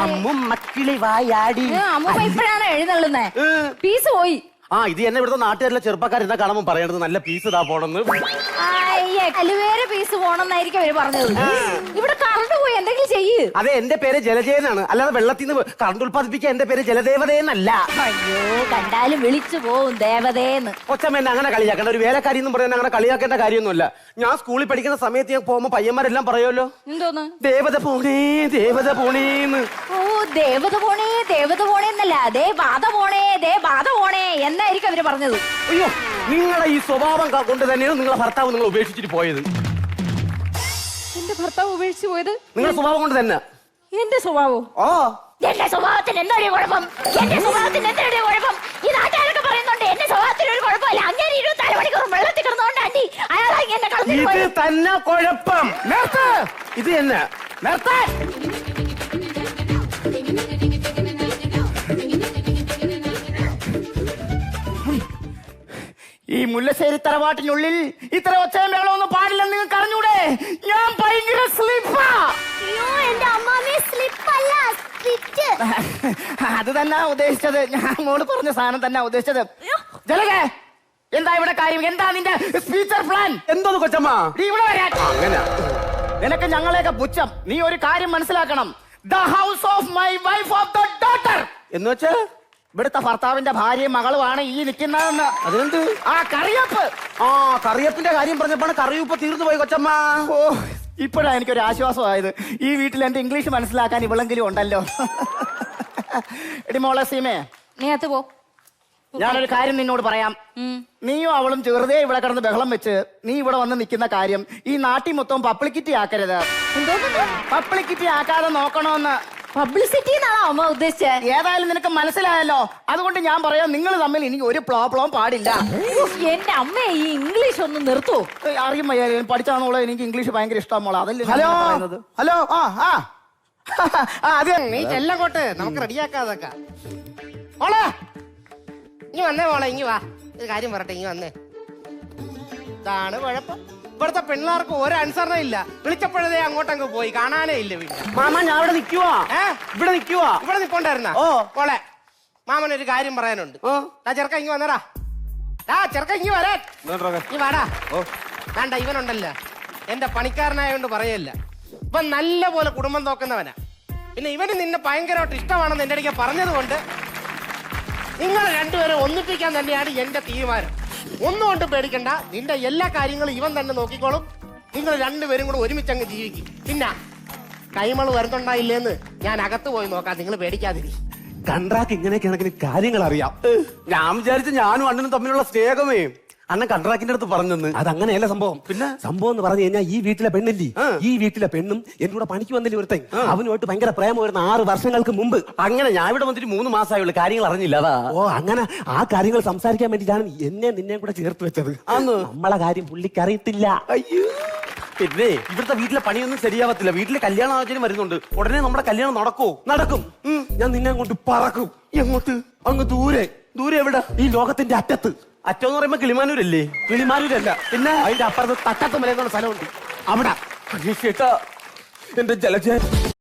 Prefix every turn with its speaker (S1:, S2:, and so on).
S1: അമ്മും മക്കിളി വായാടി.
S2: അമ്മൂമ്മ ഇപ്പഴാണ് എഴുന്നള്ളുന്നേ. പീസ് പോയി.
S1: ഇത് എന്നെ ഇവിടുത്തെ നാട്ടുകാരിലെ ചെറുപ്പക്കാരെന്താ കാണുമ്പോൾ പറയണത് നല്ല പീസ് ഇതാ പോണെന്ന്.
S2: അലുവേറെ പീസ് പോണെന്നായിരിക്കും അവര് പറഞ്ഞത്. ഇവിടെ കറണ്ട് പോയി, എന്തെങ്കിലും ചെയ്യ്.
S1: അതെ, എന്റെ പേര് ജലജയനാണ്, അല്ലാതെ വെള്ളത്തിൽ നിന്ന് കറണ്ട് ഉൽപ്പാദിപ്പിക്കാൻ എന്റെ പേര് ജലദേവതയെന്നല്ല.
S2: അയ്യോ, കണ്ടാലും വിളിച്ചു പോവും ദേവതേന്ന്.
S1: കൊച്ചമ്മ എന്നെ അങ്ങനെ കളിയാക്കേണ്ട, ഒരു വേലക്കാരി എന്നും പറയാൻ അങ്ങനെ കളിയാക്കേണ്ട കാര്യമൊന്നുമല്ല. ഞാൻ സ്കൂളിൽ പഠിക്കുന്ന സമയത്ത് ഞാൻ പോകുമ്പോ പയ്യന്മാരെല്ലാം പറയുമല്ലോ,
S2: എന്തോന്ന്
S1: ദേവത പോണേ ദേവത പോണേന്ന്.
S2: ഓ, ദേവത പോണേ ദേവത പോണേന്നല്ല, ദേ ബാധ പോണേ ദേ ബാധ പോണേ എന്നായിരിക്കും അവര് പറഞ്ഞത്.
S1: അയ്യോ, നിങ്ങളുടെ ഈ സ്വഭാവം കൊണ്ട് തന്നെയാണ് നിങ്ങളെ ഭർത്താവ് നിങ്ങൾ ഉപേക്ഷിച്ചിട്ട് പോയത്.
S2: എന്റെ ഭർത്താവ് ഉപേക്ഷിച്ചു പോയത്
S1: നിങ്ങളുടെ സ്വഭാവം കൊണ്ട് തന്നെ.
S2: എന്റെ സ്വഭാവം?
S1: ഓ,
S2: എന്റെ സ്വഭാവത്തിന് എന്താണ് കുഴപ്പം? എന്റെ സ്വഭാവത്തിന് എന്താണ് കുഴപ്പം? ഈ നാട്ടുകാരൊക്കെ പറയുന്നുണ്ട് എന്റെ സ്വഭാവത്തിന് ഒരു കുഴപ്പമില്ല. അങ്ങനെ 24 മണിക്കൂർ വെള്ളത്തിൽ കിടന്നുകൊണ്ട് ആന്റി അയാളെ എന്നെ കളഞ്ഞു.
S1: ഇത് തന്നെ കുഴപ്പം. ഇത് തന്നെ
S3: ഈ മുല്ലശ്ശേരി തറവാട്ടിനുള്ളിൽ ഇത്ര ഒച്ചയും വേളമൊന്നും പാടില്ലെന്ന് നിങ്ങൾക്ക് അറിഞ്ഞൂടെ? ഞാൻ ഭയങ്കര സ്ലിപ്പാ. അത് തന്നെ ഉദ്ദേശിച്ചത്, ഞാൻ മോള് പറഞ്ഞ സാധനം തന്നെ ഉദ്ദേശിച്ചത്. ജലകേ, എന്താ ഇവിടെ കാര്യം? എന്താ നിന്റെ ഫ്യൂച്ചർ പ്ലാൻ?
S1: എന്തോന്ന് കൊച്ചമ്മ
S3: നീ ഇവിടെ വരാൻ?
S1: അങ്ങനെ
S3: നിനക്ക് ഞങ്ങളെയൊക്കെ പുച്ഛം. നീ ഒരു കാര്യം മനസ്സിലാക്കണം. The house of my wife of the daughter
S1: എന്ന് വെച്ചാ
S3: ഇവിടുത്തെ ഭർത്താവിന്റെ ഭാര്യയും മകളുമാണ് ഈ നിൽക്കുന്നതെന്ന്.
S1: അതിനെന്ത്?
S3: ആ കറിയപ്പ്.
S1: കറിയപ്പിന്റെ കാര്യം പറഞ്ഞപ്പോഴാണ് കറിയപ്പ് തീർന്നു പോയി കൊച്ചമ്മ.
S3: ഓ, ഇപ്പോഴാണ് എനിക്കൊരു ആശ്വാസമായത്. ഈ വീട്ടിൽ എന്റെ ഇംഗ്ലീഷ് മനസ്സിലാക്കാൻ ഇവളെങ്കിലും ഉണ്ടല്ലോ. എടി മോളെ സീമേ,
S2: നീ അകത്ത് പോ.
S3: ഞാനൊരു കാര്യം നിന്നോട് പറയാം. നീയും അവളും ചെറുതേ ഇവിടെ കിടന്ന് ബഹളം വെച്ച് നീ ഇവിടെ വന്ന് നിൽക്കുന്ന കാര്യം ഈ നാട്ടിൽ മൊത്തം പബ്ലിക്കിറ്റി ആക്കരുത്. പബ്ലിക്കിറ്റി ആക്കാതെ നോക്കണോന്ന്.
S2: പബ്ലിസിറ്റി എന്നാണോ അമ്മ ഉദ്ദേശിച്ചത്?
S3: ഏതായാലും നിനക്ക് മനസ്സിലായല്ലോ. അതുകൊണ്ട് ഞാൻ പറയാം, നിങ്ങൾ തമ്മിൽ ഇനി ഒരു പ്രോബ്ലം പാടില്ല.
S2: എന്റെ അമ്മ ഈ ഇംഗ്ലീഷ് ഒന്ന് നിർത്തൂ.
S3: അറിയും പഠിച്ചാന്നോളെ, എനിക്ക് ഇംഗ്ലീഷ് ഭയങ്കര ഇഷ്ടം മോളെ. അതല്ലേ
S1: ഹലോ ഹലോ
S3: അതെ,
S4: നീ ചെല്ലങ്ങോട്ട്, നമുക്ക് റെഡിയാക്കാതൊക്കെ. മോളെ ഇനി വന്നേ, മോളെ ഇങ്ങി വാ, ഒരു കാര്യം പറട്ടെ, ഇങ്ങി വന്നേ. ഇതാണ് കുഴപ്പം. ഇവിടുത്തെ പിള്ളേർക്ക് ഒരു അനുസരണ ഇല്ല. വിളിച്ചപ്പോഴേ അങ്ങോട്ടങ്ങ് പോയി, കാണാനേ ഇല്ല വീട്ടിൽ.
S1: മാമ, ഞാൻ ഇവിടെ നിൽക്കുവാ.
S4: ഇവിടെ നിൽക്കൊണ്ടായിരുന്ന. മോളെ, മാമനൊരു കാര്യം പറയാനുണ്ട്. ചെറുക്ക ഇങ്ങി വന്നടാ. ചെറുക്ക ഇങ്ങി വരാൻ. നീ വാടാ. വേണ്ട, ഇവനുണ്ടല്ലോ എന്റെ പണിക്കാരനായോണ്ട് പറയല്ല, ഇവൻ നല്ല പോലെ കുടുംബം നോക്കുന്നവനാ. പിന്നെ ഇവന് നിന്നെ ഭയങ്കരമായിട്ട് ഇഷ്ടമാണെന്ന് എന്റെ അടുക്ക പറഞ്ഞത് കൊണ്ട് നിങ്ങൾ രണ്ടുപേരും ഒന്നിപ്പിക്കാൻ തന്നെയാണ് എന്റെ തീരുമാനം. ഒന്നും കൊണ്ട് പേടിക്കണ്ട, നിന്റെ എല്ലാ കാര്യങ്ങളും ഇവൻ തന്നെ നോക്കിക്കോളും. നിങ്ങൾ രണ്ടുപേരും കൂടെ ഒരുമിച്ചങ്ങ് ജീവിക്കും. പിന്നെ കൈമള് വരുന്നുണ്ടായില്ലേന്ന് ഞാൻ അകത്ത് പോയി നോക്കാം, നിങ്ങൾ പേടിക്കാതിരി.
S1: കണ്ട്രാക്ക് ഇങ്ങനെയൊക്കെയാണെങ്കിൽ കാര്യങ്ങൾ അറിയാം. ഞാൻ വിചാരിച്ചു ഞാനും അണ്ണനും തമ്മിലുള്ള സ്നേഹമേ അണ്ണൻ കണ്ട്രാക്കിന്റെ അടുത്ത് പറഞ്ഞെന്ന്. അതങ്ങനെയല്ല സംഭവം. പിന്നെ സംഭവം എന്ന് പറഞ്ഞു കഴിഞ്ഞാൽ ഈ വീട്ടിലെ പെണ്ണില്ലേ, ഈ വീട്ടിലെ പെണ്ണും എന്റെ കൂടെ പണിക്ക് വന്നില്ല ഒരുത്തൻ, അവനുമായിട്ട് ഭയങ്കര പ്രേമമായിരുന്നു 6 വർഷങ്ങൾക്ക് മുമ്പ്. അങ്ങനെ ഞാൻ ഇവിടെ വന്നിട്ട് 3 മാസമായുള്ള കാര്യങ്ങൾ അറിഞ്ഞില്ല. അതാ അങ്ങനെ ആ കാര്യങ്ങൾ സംസാരിക്കാൻ വേണ്ടിയിട്ടാണ് എന്നെ നിന്നെ കൂടെ ചേർത്ത് വെച്ചത്. അന്ന് നമ്മളെ കാര്യം പുള്ളിക്ക് അറിയത്തില്ല. അയ്യോ, പിന്നെ ഇവിടുത്തെ വീട്ടിലെ പണിയൊന്നും ശരിയാവത്തില്ല. വീട്ടിലെ കല്യാണ ആലോചന വരുന്നുണ്ട്. ഉടനെ നമ്മുടെ കല്യാണം നടക്കും. ഞാൻ നിന്നെ കൊണ്ട് പറക്കും. എങ്ങോട്ട്? അങ്ങ് ദൂരെ. ദൂരെ എവിടെ? ഈ ലോകത്തിന്റെ അറ്റത്ത്. അറ്റം എന്ന് പറയുമ്പോ കിളിമാനൂരല്ലേ? കിളിമാനൂരല്ല, പിന്നെ അതിന്റെ അപ്പുറത്ത് തട്ടത്ത് മല എന്നുള്ള സ്ഥലമുണ്ട്. അവിടെ എന്റെ ജലജ